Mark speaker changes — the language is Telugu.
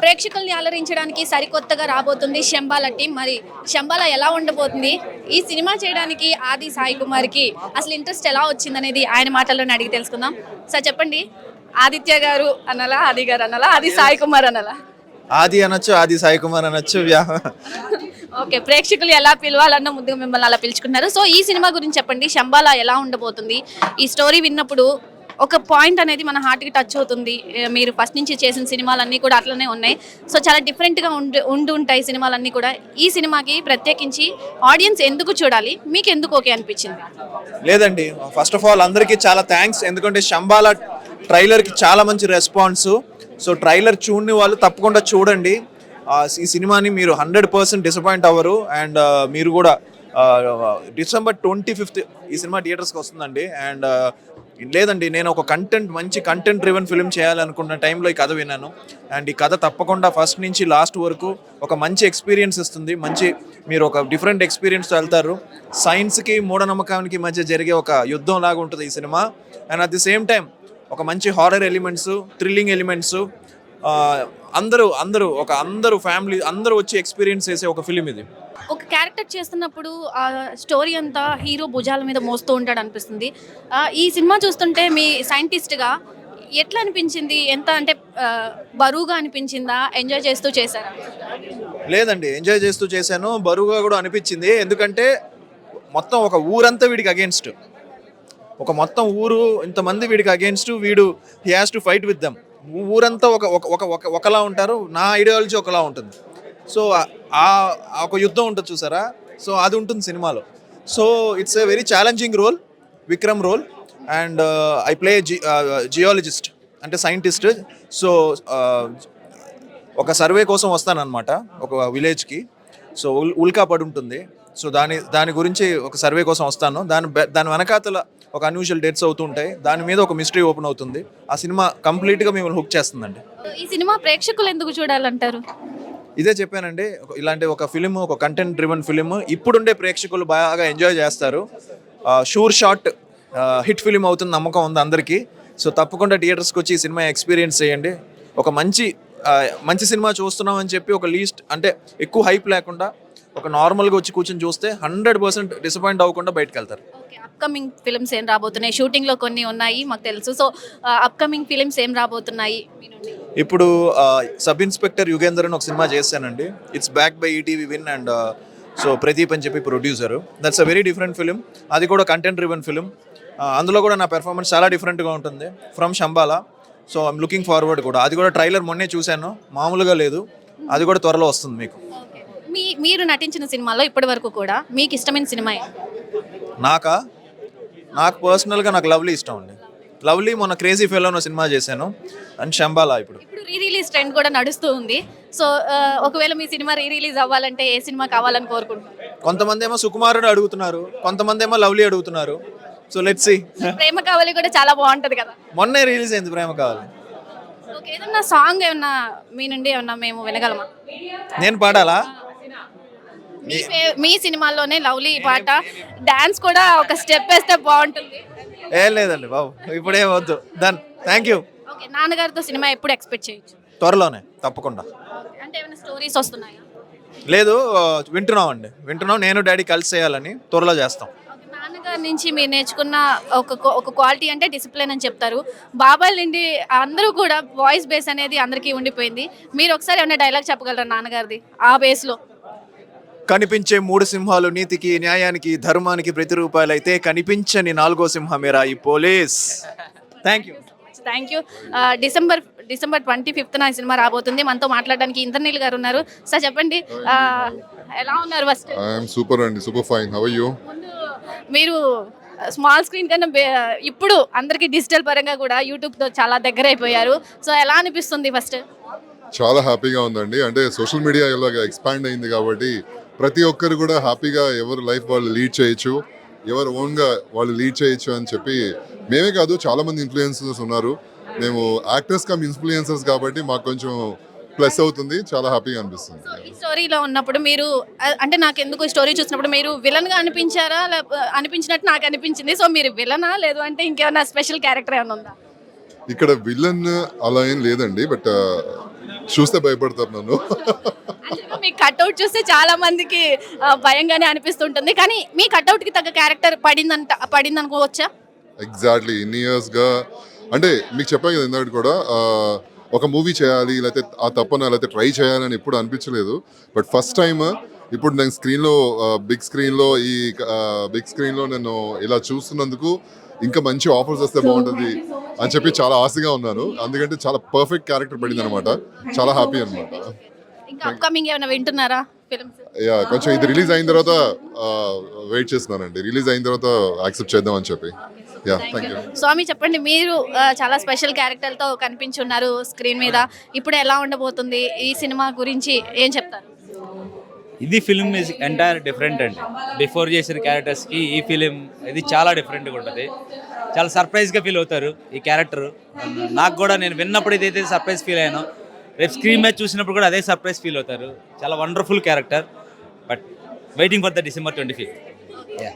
Speaker 1: ప్రేక్షకుల్ని అలరించడానికి సరికొత్తగా రాబోతుంది శంబాల టీం. మరి శంబాల ఎలా ఉండబోతుంది, ఈ సినిమా చేయడానికి ఆది సాయి కుమార్కి అసలు ఇంట్రెస్ట్ ఎలా వచ్చిందనేది ఆయన మాటల్లోనే అడిగి తెలుసుకుందాం. సార్ చెప్పండి, ఆదిత్య గారు అనాలా, ఆది గారు అనాలా, ఆది సాయి కుమార్ అనాలా?
Speaker 2: ఆది అనొచ్చు, ఆది సాయి కుమార్ అనొచ్చు.
Speaker 1: ఓకే, ప్రేక్షకులు ఎలా పిలవాలన్న ముందుగా మిమ్మల్ని అలా పిలుచుకున్నారు. సో ఈ సినిమా గురించి చెప్పండి, శంబాల ఎలా ఉండబోతుంది? ఈ స్టోరీ విన్నప్పుడు ఒక పాయింట్ అనేది మన హార్ట్కి టచ్ అవుతుంది. మీరు ఫస్ట్ నుంచి చేసిన సినిమాలన్నీ కూడా అట్లనే ఉన్నాయి. సో చాలా డిఫరెంట్గా ఉంటాయి సినిమాలన్నీ కూడా. ఈ సినిమాకి ప్రత్యేకించి ఆడియన్స్ ఎందుకు చూడాలి, మీకు ఎందుకు ఓకే అనిపించింది?
Speaker 2: లేదండి, ఫస్ట్ ఆఫ్ ఆల్ అందరికీ చాలా థ్యాంక్స్. ఎందుకంటే శంబాల ట్రైలర్కి చాలా మంచి రెస్పాన్స్. సో ట్రైలర్ చూడని వాళ్ళు తప్పకుండా చూడండి. ఈ సినిమాని మీరు 100% డిసప్పాయింట్ అవ్వరు. అండ్ మీరు కూడా December 25th ఈ సినిమా థియేటర్స్కి వస్తుందండి. అండ్ లేదండి, నేను ఒక మంచి కంటెంట్ డ్రివెన్ ఫిల్మ్ చేయాలనుకున్న టైంలో ఈ కథ విన్నాను. అండ్ ఈ కథ తప్పకుండా ఫస్ట్ నుంచి లాస్ట్ వరకు ఒక మంచి ఎక్స్పీరియన్స్ ఇస్తుంది. మీరు ఒక డిఫరెంట్ ఎక్స్పీరియన్స్తో వెళ్తారు. సైన్స్కి మూఢనమ్మకానికి మధ్య జరిగే ఒక యుద్ధం లాగా ఉంటుంది ఈ cinema. And at the same time ఒక మంచి హారర్ ఎలిమెంట్స్, థ్రిల్లింగ్ ఎలిమెంట్స్, అందరూ ఫ్యామిలీ అందరూ వచ్చి ఎక్స్పీరియన్స్ చేసే ఒక ఫిలిం ఇది.
Speaker 1: ఒక క్యారెక్టర్ చేస్తున్నప్పుడు ఆ స్టోరీ అంతా హీరో భుజాల మీద మోస్తూ ఉంటాడు అనిపిస్తుంది. ఈ సినిమా చూస్తుంటే మీ సైంటిస్ట్గా ఎట్లా అనిపించింది? ఎంత అంటే బరువుగా అనిపించిందా, ఎంజాయ్ చేస్తూ చేశారా?
Speaker 2: లేదండి, ఎంజాయ్ చేస్తూ చేశాను, బరువుగా కూడా అనిపించింది. ఎందుకంటే మొత్తం ఒక ఊరంతా వీడికి అగేన్స్ట్, ఒక మొత్తం ఊరు ఇంతమంది వీడికి అగేన్స్ట్, వీడు he has to fight with them. ఊరంతా ఒకలా ఉంటారు, నా ఐడియాలజీ ఒకలా ఉంటుంది. సో ఒక యుద్ధం ఉంటుంది చూసారా, సో అది ఉంటుంది సినిమాలో. So it's a very challenging role, Vikram role. And I play geologist, అంటే సైంటిస్ట్. సో ఒక సర్వే కోసం వస్తానన్నమాట ఒక విలేజ్కి. సో ఉల్కా పడి ఉంటుంది. సో దాని గురించి ఒక సర్వే కోసం వస్తాను. దాని వెనకాతల ఒక అన్యూజువల్ డెత్స్ అవుతూ ఉంటాయి. దాని మీద ఒక మిస్టరీ ఓపెన్ అవుతుంది. ఆ సినిమా కంప్లీట్గా మిమ్మల్ని హుక్ చేస్తుందండి.
Speaker 1: ఈ సినిమా ప్రేక్షకులు ఎందుకు చూడాలంటారు?
Speaker 2: ఇదే చెప్పానండి, ఇలాంటి ఒక ఫిలిం, ఒక కంటెంట్ డ్రివెన్ ఫిలిం ఇప్పుడుండే ప్రేక్షకులు బాగా ఎంజాయ్ చేస్తారు. షూర్ షాట్ హిట్ ఫిలిం అవుతుంది నమ్మకం ఉంది అందరికీ. సో తప్పకుండా థియేటర్స్కి వచ్చి ఈ సినిమా ఎక్స్పీరియన్స్ చేయండి. ఒక మంచి సినిమా చూస్తున్నాం అని చెప్పి ఒక లీస్ట్ అంటే ఎక్కువ హైప్ లేకుండా ఒక నార్మల్గా వచ్చి కూర్చొని చూస్తే 100% డిసప్పాయింట్ అవ్వకుండా బయటకు వెళ్తారు.
Speaker 1: అప్కమింగ్ ఫిల్మ్స్ ఏం రాబోతున్నాయి? షూటింగ్లో కొన్ని ఉన్నాయి మాకు తెలుసు. సో అప్కమింగ్ ఫిల్మ్స్ ఏం రాబోతున్నాయి?
Speaker 2: ఇప్పుడు సబ్ ఇన్స్పెక్టర్ యుగేందర్ అని ఒక సినిమా చేశానండి. It's back by ETV win and so Pradeep అని చెప్పి producer. That's a very different film. అది కూడా కంటెంట్ డ్రివెన్ ఫిలిం. అందులో కూడా నా పెర్ఫార్మెన్స్ చాలా డిఫరెంట్గా ఉంటుంది from Shambala. So I'm looking forward కూడా. అది కూడా ట్రైలర్ మొన్నే చూశాను, మామూలుగా లేదు. అది కూడా త్వరలో వస్తుంది మీకు.
Speaker 1: మీరు నటించిన సినిమాలో ఇప్పటి వరకు కూడా మీకు ఇష్టమైన సినిమా?
Speaker 2: నాకు పర్సనల్గా నాకు లవ్లీ ఇష్టం అండి. లవ్లీ మొన్న క్రేజీ ఫెలో అనే సినిమా చేశాను. అండ్ శంబాల ఇప్పుడు
Speaker 1: రీ రిలీజ్ ట్రెండ్ కూడా నడుస్తూ ఉంది. సో ఒకవేళ మీ సినిమా రీ రిలీజ్ అవ్వాలంటే ఏ సినిమా కావాలని కోరుకుంటున్నారు?
Speaker 2: కొంతమంది ఏమో సుకుమారుడు అడుగుతున్నారు, కొంతమంది ఏమో లవ్లీ అడుగుతున్నారు. So let's see.
Speaker 1: ప్రేమ కావాలి కూడా చాలా బాగుంటది కదా.
Speaker 2: మొన్నే రిలీజ్ అయింది ప్రేమ కావాలి.
Speaker 1: ఓకే, ఏదన్నా సాంగ్ ఏమన్నా మీ నుండి ఏమన్నా మేము వినగలమా?
Speaker 2: నేను పాడాలా?
Speaker 1: మీ సినిమాల్లోనే లవ్లీ పాట, డాన్స్ కూడా ఒక స్టెప్ వేస్తే బాగుంటుంది.
Speaker 2: ఏం లేదండి బాబు, ఇప్పుడే వద్దు. Done, thank you.
Speaker 1: ఓకే, నాన్నగారితో సినిమా ఎప్పుడు ఎక్స్పెక్ట్ చేయొచ్చు?
Speaker 2: త్వరలోనే తప్పకుండా.
Speaker 1: అంటే ఏమైనా స్టోరీస్ వస్తున్నాయా?
Speaker 2: లేదు, వింటున్నాం. నేను డాడీ కలిసి చేయాలని త్వరలో చేస్తాం.
Speaker 1: నాన్నగారి నుంచి మీరు నేర్చుకున్న ఒక క్వాలిటీ అంటే డిసిప్లిన్ అని చెప్తారు. బాబాయ్ నుండి అందరూ కూడా వాయిస్ బేస్ అనేది అందరికీ ఉండిపోయింది. మీరు ఒకసారి ఏమైనా డైలాగ్ చెప్పగలరా నాన్నగారిది ఆ బేస్లో?
Speaker 2: కనిపించే 3 సింహాలు నీతికి, న్యాయానికి, ధర్మానికి ప్రతిరూపాలు అయితే కనిపించని 4వ సింహమేరా ఈ police. Thank you.
Speaker 1: December 25th ఈ సినిమా రాబోతుంది. మనతో మాట్లాడడానికి ఇంద్రనీల్ గారు ఉన్నారు. సార్ చెప్పండి, ఎలా ఉన్నారు? ఫస్ట్
Speaker 3: సూపర్ అండి, super fine. How are you?
Speaker 1: మీరు స్మాల్ స్క్రీన్ కన్నా ఇప్పుడు అందరికి డిజిటల్ పరంగా కూడా యూట్యూబ్తో చాలా దగ్గర అయిపోయారు. సో ఎలా అనిపిస్తుంది? ఫస్ట్
Speaker 3: చాలా హ్యాపీగా ఉందండి. అంటే సోషల్ మీడియా ఇలాగ ఎక్స్పాండ్ అయింది కాబట్టి ప్రతి ఒక్కరు కూడా హ్యాపీగా ఎవరు లైఫ్ వాళ్ళు లీడ్ చేయొచ్చు, ఎవరు ఓన్గా వాళ్ళు లీడ్ చేయొచ్చు అని చెప్పి మేమే కాదు చాలా మంది ఇన్ఫ్లుయెన్సర్స్ ఉన్నారు. మేము యాక్టర్స్ కమ్ ఇన్ఫ్లుయెన్సర్స్ కాబట్టి మాకు కొంచెం ప్లస్ అవుతుంది, చాలా హ్యాపీగా అనిపిస్తుంది.
Speaker 1: ఈ స్టోరీలో ఉన్నప్పుడు మీరు అంటే నాకు ఎందుకు ఈ స్టోరీ చూసినప్పుడు మీరు విలన్గా అనిపించారా? అనిపించినట్టు నాకు అనిపించింది. సో మీరు విలనా, లేదు అంటే ఇంకేమైనా స్పెషల్ క్యారెక్టర్ ఏమైనా ఉందా?
Speaker 3: ఇక్కడ విలన్ అలా ఏం లేదండి. బట్ చూస్తే భయపడతారు నన్ను.
Speaker 1: Actually, మీ కట్అవుట్ చూస్తే చాలా మందికి భయంగానే అనిపిస్తుంటుంది, కానీ మీ కట్అవుట్ కి తగ్గ క్యారెక్టర్ పడింది అనుకోవచ్చా?
Speaker 3: ఎగ్జాక్ట్లీ ఇన్ని ఇయర్స్గా అంటే మీకు చెప్పాను కదా ఇందాక కూడా ఒక మూవీ చేయాలి లేకపోతే ఆ తప్పన లేకపోతే ట్రై చేయాలని ఎప్పుడు అనిపించలేదు. బట్ ఫస్ట్ టైం ఇప్పుడు నేను స్క్రీన్లో బిగ్ స్క్రీన్లో నేను ఇలా చూస్తున్నందుకు ఇంకా మంచి ఆఫర్స్ వస్తే బాగుంటుంది అని చెప్పి చాలా ఆశగా ఉన్నాను. అందుకంటే చాలా పర్ఫెక్ట్ క్యారెక్టర్ పడింది అనమాట. చాలా హ్యాపీ అనమాట.
Speaker 1: ఇంకా అప్కమింగ్ ఏమైనా వింటున్నారా ఫిల్మ్స్?
Speaker 3: యా కొంచెం ఇది రిలీజ్ అయిన తర్వాత వెయిట్ చేస్తున్నానండి. రిలీజ్ అయిన తర్వాత యాక్సెప్ట్ చేద్దాం అని చెప్పి. Yeah thank you.
Speaker 1: స్వామి చెప్పండి, మీరు చాలా స్పెషల్ క్యారెక్టర్తో కనిపించున్నారు స్క్రీన్ మీద. ఇప్పుడు ఎలా ఉండబోతుంది ఈ సినిమా గురించి ఏం చెప్తారు?
Speaker 4: ఇది ఫిలిం ఇస్ ఎంటైర్ డిఫరెంట్ అండి. బిఫోర్ చేసిన క్యారెక్టర్స్కి ఈ ఫిలిం ఇది చాలా డిఫరెంట్గా ఉంటుంది. చాలా సర్ప్రైజ్గా ఫీల్ అవుతారు ఈ క్యారెక్టర్. నాకు కూడా నేను విన్నప్పుడు ఇదైతే సర్ప్రైజ్ ఫీల్ అయ్యాను, రేపు స్క్రీన్ మీద చూసినప్పుడు కూడా అదే సర్ప్రైజ్ ఫీల్ అవుతారు. చాలా wonderful character. But waiting for the December 25th.